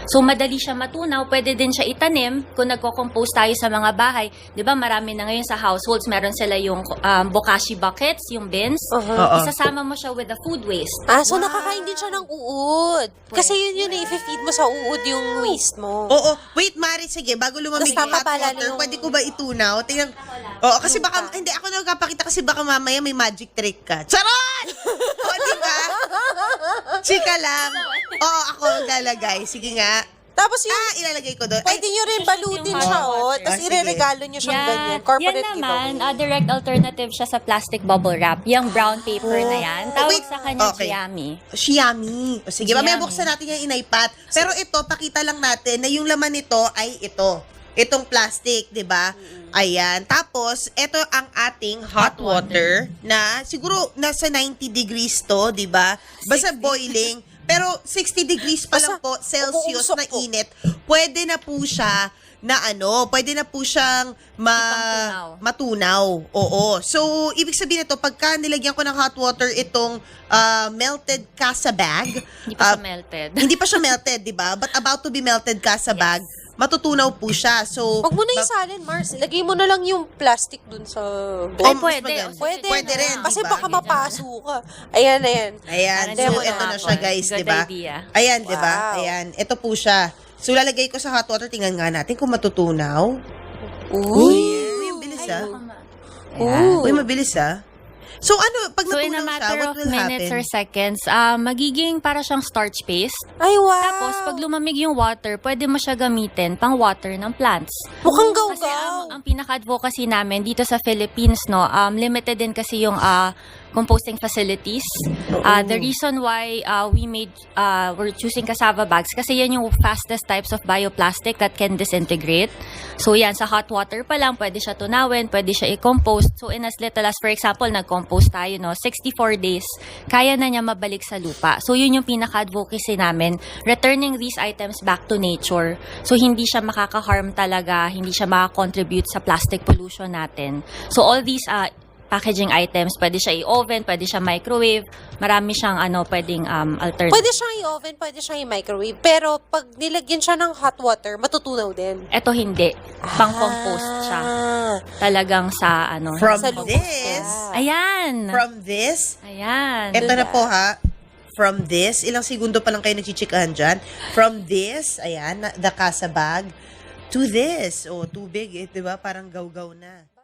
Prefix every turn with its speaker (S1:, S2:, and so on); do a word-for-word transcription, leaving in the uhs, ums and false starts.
S1: So madali siya matunaw, pwede din siya itanim kung nagko-compose tayo sa mga bahay. 'Di ba marami na ngayon sa households, meron sila yung um, bokashi buckets, yung bins.
S2: Uh-huh.
S3: Oo.
S1: Isasama mo siya with the food waste.
S2: Ah, so nakakain din siya ng uod. Kasi yun yun na i-feed mo sa uod yung waste mo.
S3: Oo. Wait, Mari, sige, bago lumamig
S2: Tapos
S3: yung hot
S2: papapalalo
S3: water,
S2: yung-
S3: pwede ko ba itunaw? Tingnan. Oo, kasi baka, hindi, ako nagpapakita kasi baka mamaya may magic trick ka. Charot! O, di ba? Chika lang. Oo, ako lalagay. Sige nga.
S2: Tapos yung,
S3: Ah, ilalagay ko doon. Ay,
S2: pwede nyo rin balutin
S1: yung
S2: siya,
S1: hot
S2: oh.
S1: water.
S2: Tapos
S3: Ah, sige.
S2: ireregalo nyo siyang ganyan. Corporate
S1: yan naman,
S2: giveaway.
S1: uh, direct alternative siya sa plastic bubble wrap. Yung brown paper na yan. Tawag
S3: wait.
S1: sa kanya
S3: Okay.
S1: Giami.
S3: Xiaomi. O, sige,
S1: Xiaomi.
S3: mamaya buksan natin yung inaypat. Pero ito, pakita lang natin na yung laman nito ay ito. Itong plastic, di ba? Ayan. Tapos, ito ang ating hot water na siguro nasa ninety degrees to, di ba? Basta boiling. Pero sixty degrees pa lang po, Celsius
S2: umuusok
S3: na
S2: po.
S3: init. Pwede na po siya na ano, pwede na po siyang ma
S1: Ipangtunaw.
S3: matunaw. Oo. So, ibig sabihin nito, pagka nilagyan ko ng hot water itong ah, melted casa bag,
S1: Hindi pa
S3: ah,
S1: siya melted.
S3: hindi pa siya melted, di ba? But about to be melted casa bag, matutunaw po siya. So,
S2: Huwag mo na
S3: ba-
S2: isalin, Mars. Lagay mo na lang yung plastic dun sa bowl.
S1: Ay,
S3: mas
S1: pwede.
S3: maganda.
S2: Pwede.
S3: Pwede rin,
S2: Kasi
S3: diba?
S2: baka mapaso ka. Ayan, ayan.
S3: Ayan,
S1: Parang
S3: so
S2: demo
S3: ito
S2: na
S3: na siya
S1: ako.
S3: guys,
S1: Good
S3: di ba?
S1: idea.
S3: Ayan, di ba?
S2: Wow.
S3: Ayan, ito po siya. So lalagay ko sa hot water, tingnan nga natin kung matutunaw.
S2: Ooh.
S3: Uy, ang bilis ah.
S2: Ooh.
S3: Uy, mabilis ah. So ano, pag
S1: So in a
S3: natunaw siya,
S1: matter
S3: what
S1: of
S3: will
S1: minutes or
S3: happen?
S1: seconds, uh, magiging para siyang starch paste.
S2: Ay, wow.
S1: Tapos pag lumamig yung water, pwede mo siya gamitin pang water ng plants.
S2: Mukhang
S1: Kasi
S2: gaw-gaw.
S1: ang, ang pinaka-advocacy namin dito sa Philippines, no, um, limited din kasi yung ah, composting facilities. Uh, the reason why uh, we made, uh, we're choosing cassava bags, kasi yan yung fastest types of bioplastic that can disintegrate. So yan, sa hot water pa lang, pwede siya tunawin, pwede siya i-compost. So in as little as, for example, nag-compost tayo, no, sixty-four days, kaya na niya mabalik sa lupa. So yun yung pinaka-advocacy namin, returning these items back to nature. So hindi siya makaka-harm talaga, hindi siya makakontribute sa plastic pollution natin. So all these uh, packaging items, pwede siya i-oven, pwede siya microwave, marami siyang ano, pwedeng um, alternative.
S2: Pwede siyang i-oven, pwede siyang i-microwave. Pero pag nilagyan siya ng hot water, matutunaw din.
S1: Ito hindi, pang-compost siya.
S2: Ah.
S1: Talagang sa ano.
S3: From
S2: Sa lubos
S3: this,
S2: siya.
S1: Ayan.
S3: from this,
S1: Ayan.
S3: eto na po ha, from this, ilang segundo pa lang kayo nagchichikahan dyan. From this, ayan, na- the casa bag, to this. Oh, tubig, eh, di ba? Parang gaw-gaw na.